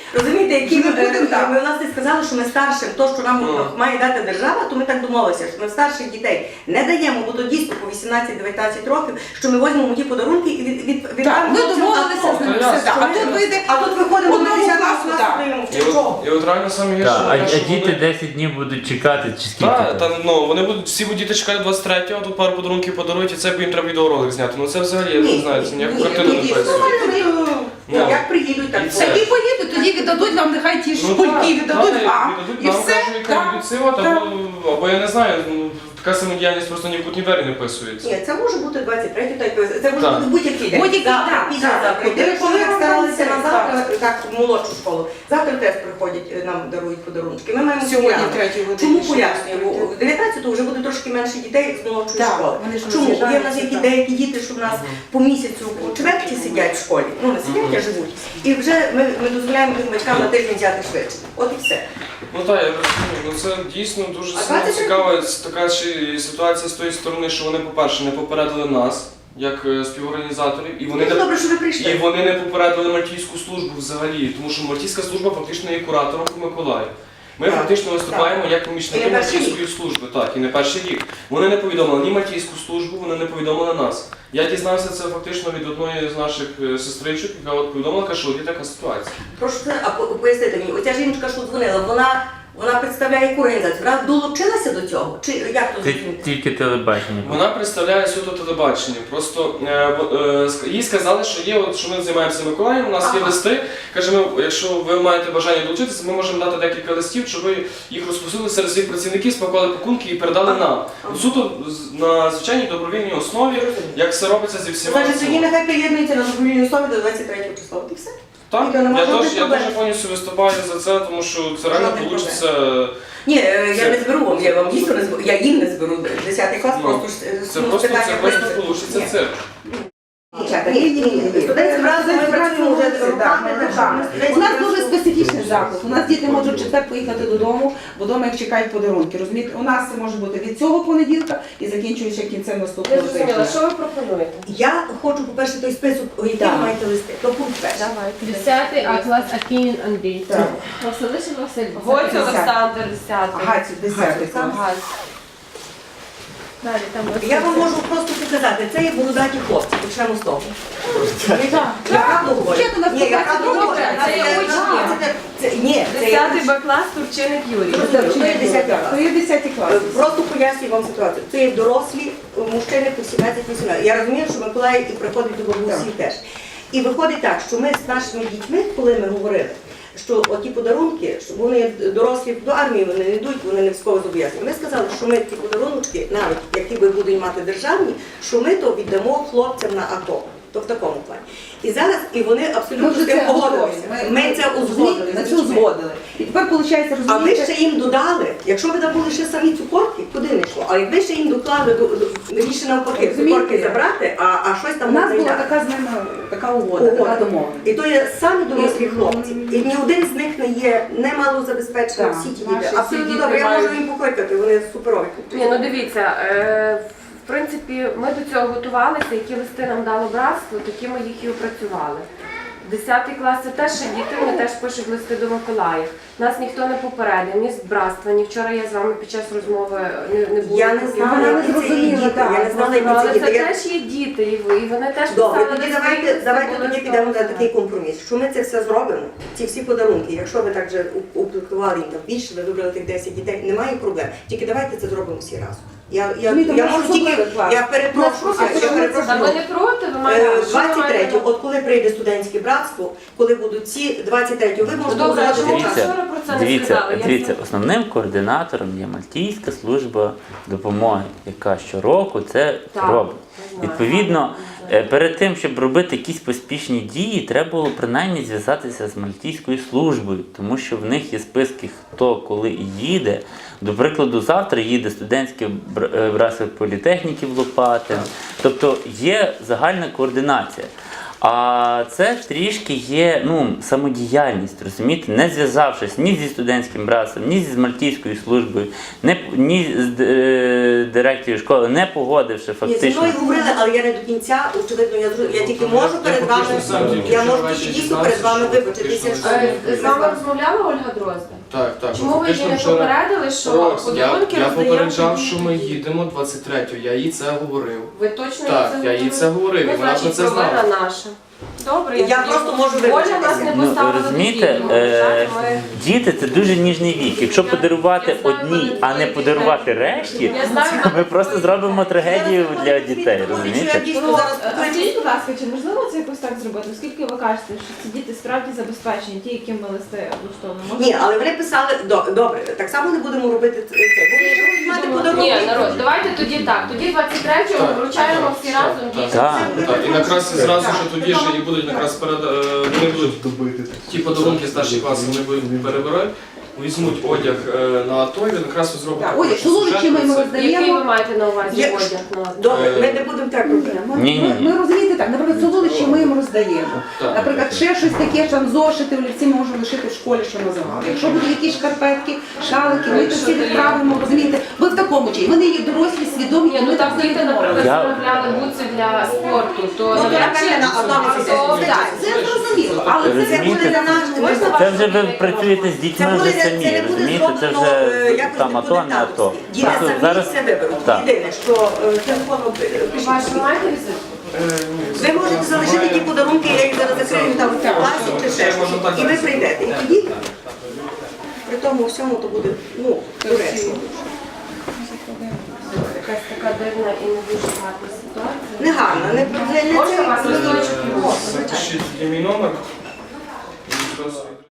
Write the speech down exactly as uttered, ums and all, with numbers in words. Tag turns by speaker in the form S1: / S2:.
S1: Розумієте, які
S2: Ми
S1: ми,
S2: будемо,
S1: ми,
S2: так.
S1: ми власне сказали, що ми старшим, то, що нам
S3: Ну.
S1: має дати держава, то ми так домовилися, що ми старших дітей не даємо, бо то дійсно по вісімнадцять-дев'ятнадцять років, що ми візьмемо ті подарунки і від, від, від
S2: Так, ми домовилися з ними
S3: Ну,
S2: все. так. А тут вийде
S1: А тут виходимо на
S2: одного
S1: десятий
S2: класу,
S1: клас,
S2: так.
S1: стоїмо в
S3: І от,
S1: чого?
S3: і от реально саме гірше,
S4: Так, а,
S3: те,
S4: а
S3: що
S4: діти
S3: вони-
S4: десять днів будуть чекати, чи скільки?
S3: Так,
S4: там?
S3: та, ну, вони будуть, всі будуть діти чекати двадцять третього, а тут пару подарунків подарують, і це їм треба відеоролик зняти. Ну це взагалі, я не знаю, це ніяку картину не працює.
S1: Ну, як приїдуть, так
S3: І
S1: буде.
S3: це.
S2: Такі поїдуть, тоді віддадуть вам, нехай ті
S3: Ну,
S2: школьки
S3: так,
S2: віддадуть
S3: так,
S2: вам.
S3: віддадуть
S2: І
S3: нам,
S2: все.
S3: кажуть, яка
S2: Так.
S3: віддадуть сила,
S2: Так.
S3: або, або я не знаю, ну, така самодіяльність просто ні в кутні двері не вписується.
S1: Ні, це може бути двадцять третє, так, це може
S3: Так.
S1: бути будь-який день.
S2: Будь-який,
S1: Завтра,
S2: так,
S1: післязавтра.
S2: так.
S1: Коли
S2: Коли
S1: ми
S2: вам
S1: старалися
S2: там
S1: на
S2: це,
S1: завтра, так, в молодшу школу. Завтра теж приходять, е, нам дарують подарунки. Ми маємо
S2: Сьогодні
S1: свято.
S2: в третій годині.
S1: Чому
S2: ще
S1: пояснюю?
S2: раз.
S1: В дев'ятнадцятого вже буде трошки менше дітей з молодшої
S2: Так,
S1: школи.
S2: вони ж
S1: Чому? Є в нас
S2: роз'їжджаються,
S1: які
S2: так.
S1: деякі діти, що в нас по місяцю у чверті сидять в школі. Ну, не сидять, а живуть. І вже ми, ми дозволяємо тим батькам на тиждень взяти швидше. От і все.
S3: Ну так, я розумію, ну це дійсно дуже
S1: А
S3: сильно
S1: двадцять три
S3: цікава така ще й ситуація з тої сторони, що вони, по-перше, не попередили нас, як е, співорганізаторів, і вони
S1: Дуже
S3: не
S1: добре, що ви
S3: І
S1: прийшли.
S3: вони не попередили Мальтійську службу взагалі, тому що Мальтійська служба фактично є куратором по Миколаїв. Ми
S1: Так,
S3: фактично виступаємо як
S1: І
S3: помічники
S1: не перший
S3: Мальтійської служби, так, і не перший рік. Вони не повідомили ні Мальтійську службу, вони не повідомили нас. Я дізнався це фактично від одної з наших е, сестричок, яка от повідомила, каже, що от є така ситуація.
S1: Прошу, а по- пояснити мені, оця жінка, що дзвонила, вона, вона представляє яку організацію? Вона долучилася до цього? Чи як то
S4: Це
S1: зрозуміти?
S4: тільки телебачення.
S3: Вона представляє суто телебачення. Просто е, бо- е, ск- їй сказали, що є, от, що ми займаємося Миколаєм, у нас є
S1: Ага.
S3: листи. Каже, ми, якщо ви маєте бажання долучитися, ми можемо дати декілька листів, щоб ви їх розпосили серед своїх працівників, спакували пакунки і передали нам.
S1: Ага.
S3: Суто з- на звичайній добровільній основі, як все робиться зі всіма.
S1: Значить, тоді нехай приєднується на добровільній основі до двадцять третього числа. От і все.
S3: Так,
S1: Ніхто не
S3: я
S1: може
S3: теж,
S1: бути
S3: я
S1: проблем.
S3: дуже повністю виступаю за це, тому що це реально
S1: Жодних
S3: вийде.
S1: Ні, е, я
S3: Це-
S1: не зберу вам, я вам дійсно не зберу, я їм не зберу десятий клас,
S3: Ну,
S1: просто ж, е,
S3: Це
S1: ну,
S3: просто,
S1: питання
S3: це просто
S1: принципу.
S3: вийде
S1: Ні.
S3: цирк.
S1: Дівчата, ні, ні, ні. Студентські разом ми працюємо вже роками, так що ми студентські
S2: У нас
S1: разом-
S2: дуже специфічний заклад. У нас діти можуть в четвер поїхати додому, бо вдома їх чекають подарунки. Розумієте, у нас це може бути від цього понеділка і закінчуючи кінцем
S5: Я
S2: наступного
S5: зрозуміла,
S2: тижня.
S5: що ви пропонуєте?
S1: Я хочу, по-перше, той список, який
S2: Так.
S1: ви маєте листи, то пункт перший.
S5: Давайте.
S6: Десятий А клас Акінін Андрій.
S2: Так.
S6: Василишин Василь.
S5: Гоць Олександр, десятий.
S2: Ага, це десятий клас.
S5: Гаць.
S6: Далі там
S1: Я вам можу просто показати, це є бородаті хлопці, почнемо з того.
S2: Так.
S1: Я правду говорю?
S2: Вчити нас
S1: Ні, я
S2: показати
S1: правду
S2: добре,
S1: говорю.
S5: це є
S1: Це-
S5: учні.
S1: це- це- Ні, це є
S5: Десятий
S1: учні.
S5: Б клас, Турчиник Юрій.
S1: Це є десятий клас.
S2: То є десятий клас.
S1: Е, Просто пояснюю вам ситуацію. Це є дорослі е, мужчини по сімнадцять-вісімнадцять. Я розумію, що Миколаїв і приходить до бабусі теж. І виходить так, що ми з нашими дітьми, коли ми говорили, що оті подарунки, що вони дорослі до армії вони не йдуть, вони не військово зобов'язані. Ми сказали, що ми ті подарунки, навіть які ви будуть мати державні, що ми то віддамо хлопцям на АТО. То в такому плані. І зараз, і вони
S2: Ми
S1: абсолютно
S2: вже
S1: з тим
S2: це
S1: погодилися.
S2: узгодили.
S1: Ми це узгодили.
S2: Ми
S1: з
S2: це
S1: дітьми.
S2: узгодили. І тепер виходить,
S1: А ви
S2: розумієте,
S1: ще їм додали, якщо ви були ще самі цукорки, куди не йшло. А якби ще їм доклали, до- до- більше навпаки,
S2: Розумієте?
S1: цукорки забрати, а, а щось
S2: у
S1: там
S2: нас
S1: не
S2: була
S1: зайняти.
S2: така з ними така угода, така домовленість.
S1: І то є самі дорослі хлопці. І ні один з них не є не малозабезпечений,
S2: Так,
S1: всі ті
S2: наші
S1: діти.
S2: всі
S1: Абсолютно
S5: діти
S1: добре, я
S5: мають-
S1: можу їм покликати, вони суперові.
S5: Ні, ну дивіться, е, в принципі, ми до цього готувалися, які листи нам дало братство, такі ми їх і опрацювали. Десятий клас це теж ще діти, вони теж пишуть листи до Миколаїв. Нас ніхто не попередив, ні з братства, ні вчора я з вами під час розмови не, не була.
S1: Я не
S5: поки
S1: знала,
S5: ви-
S2: не
S1: які це є
S2: зрозуміла,
S1: діти,
S2: так.
S1: я не знала, які
S5: Але
S1: це
S5: це
S1: діти. Я-
S5: теж є діти, і ви- і вони теж
S1: Добре,
S5: писали
S1: тоді
S5: листи,
S1: давайте,
S5: листи
S1: давайте
S5: були
S1: тоді
S5: з
S1: підемо
S5: того.
S1: на такий компроміс, що ми це все зробимо, ці всі подарунки, якщо ви так же уплекували їм там більше, ви вибрали тих десять дітей, немає проблем. Тільки давайте це зробимо всі разом. Я, я,
S2: Розумієте,
S1: я
S2: ми
S1: можу
S2: особливий
S1: тільки,
S2: клас.
S1: я перепрошую,
S2: Нас просто
S1: я перепрошую.
S5: Та ви не проти, ви
S1: Е,
S5: маєте. що ви
S1: двадцять
S5: маєте?
S1: третього, от коли прийде студентське братство, коли будуть ці, двадцять третього, ви можете
S5: Добре, а чому
S1: узгодити
S5: ви
S1: час.
S5: вчора про це не
S4: Дивіться,
S5: сказали? Я
S4: дивіться,
S5: знаю.
S4: основним координатором є Мальтійська служба допомоги, яка щороку це
S5: Так,
S4: робить.
S5: я знаю.
S4: Відповідно, е, перед тим, щоб робити якісь поспішні дії, треба було принаймні зв'язатися з Мальтійською службою, тому що в них є списки, хто коли і їде. До прикладу, завтра їде студентське бр- е, братство політехніків Лопатин. Тобто є загальна координація. А це трішки є ну, самодіяльність, розумієте, не зв'язавшись ні зі студентським братством, ні зі Мальтійською службою, не, ні з е, директором школи, не погодивши
S1: Ні, зі
S4: фактично.
S1: мною говорили, але я не до кінця, очевидно, я, зрозу- я тільки можу перед вами, я можу тільки дійсно перед вами вибачитися, що
S5: Е, З вами розмовляла Ольга Дрозда?
S3: Так, так.
S5: Чому ви її не
S3: Фактично вчора-
S5: попередили, що
S3: Рокс, я,
S5: подарунки
S3: я
S5: роздаємо
S3: попереджав,
S5: тоді?
S3: що ми їдемо двадцять третього, я їй це говорив.
S5: Ви точно
S3: Так,
S5: їй
S3: я їй це говорив,
S5: Ну,
S3: і вона про
S5: значить,
S3: це
S5: провина
S3: знала.
S5: наша. Добре,
S1: Я
S5: тоді-
S1: просто можу
S5: Оля нас
S1: вибачитися.
S5: не
S4: Ну,
S5: поставила
S4: розумієте,
S5: до відома,
S4: е,
S5: так, ми-
S4: діти це дуже ніжний вік. Якщо
S5: Я-
S4: подарувати
S5: я знаю,
S4: одній,
S5: мене
S4: а не
S5: двоє
S4: подарувати
S5: дітей.
S4: решті,
S5: Я знаю,
S4: ми
S5: мене
S4: просто
S5: двоє
S4: зробимо
S5: дітей.
S4: трагедію для дітей,
S1: Що я
S4: розумієте?
S1: дійсно
S6: Ну,
S1: зараз
S6: а
S1: покличу.
S6: скажіть, будь ласка, чи можливо це якось так зробити? Оскільки ви кажете, що ці діти справді забезпечені, ті, яким ми листи влаштовано.
S1: Ні, але вони писали, до- добре, так само не будемо робити це. Вони ж будуть мати подарунки.
S5: Ні, народ, давайте тоді так. Тоді двадцять третього
S3: Так,
S5: вручаємо
S3: так,
S5: всі
S3: так,
S5: разом
S3: так.
S5: дітям.
S4: Так.
S3: Так, і якраз і зразу ж тоді ж і будуть якраз перед е, вони будуть ті подарунки старші класи, вони будуть перебирати, візьмуть одяг е, на АТО, і він якраз зробить.
S2: Так,
S3: такий
S2: одяг, солодощі
S3: сюжет
S2: ми йому
S3: про це.
S2: роздаємо.
S5: Який ви маєте на увазі
S1: Є-
S5: одяг? на-
S1: Добре, ми не будемо так робити.
S2: Ми,
S4: Ні-ні-ні.
S2: ми, ми розумієте так, наприклад, солодощі ми їм роздаємо.
S3: Так.
S2: Наприклад, ще щось таке, там зошити, олівці ми можемо лишити в школі, що називали. Якщо будуть якісь шкарпетки, шалики, ми це всі відправимо, розумієте. Ви в такому чиї. Вони є дорослі, свідомі,
S5: Ні,
S2: і
S5: ну
S2: ми
S5: там
S2: так
S5: діти, наприклад,
S4: Я-
S5: замовляли бутси для спорту, то
S1: Ну, то
S5: навряд чи-
S1: напевне, на одному
S5: А,
S1: це
S5: то-
S1: все.
S2: Так, це зрозуміло, але це
S1: Це буде
S4: Розумієте?
S1: для нас.
S5: Можна
S4: Це вже ви працюєте з
S1: Це
S4: дітьми
S1: буде,
S4: вже
S1: це
S4: самі,
S1: не буде
S4: розумієте? Це
S1: зроблено е,
S4: вже
S1: якось
S4: там
S1: не
S4: АТО, не АТо.
S1: Діти
S4: Просто
S1: самі
S4: зараз
S1: все виберуть.
S4: так.
S1: Єдине, що е, телефоном пишіть.
S5: Ваш, ви маєте візитку?
S3: Е, ні,
S1: Ви можете залишити ті подарунки, я їх зараз закрию там в класі чи ще щось. І ви прийдете. І тоді при тому всьому то буде, ну, доречно.
S5: Якась така дивна і не дуже гарна ситуація.
S1: Не гарно, не, не, не
S5: Можна
S1: це.
S5: вас листочок?
S3: Запишіть мій номер. І просто-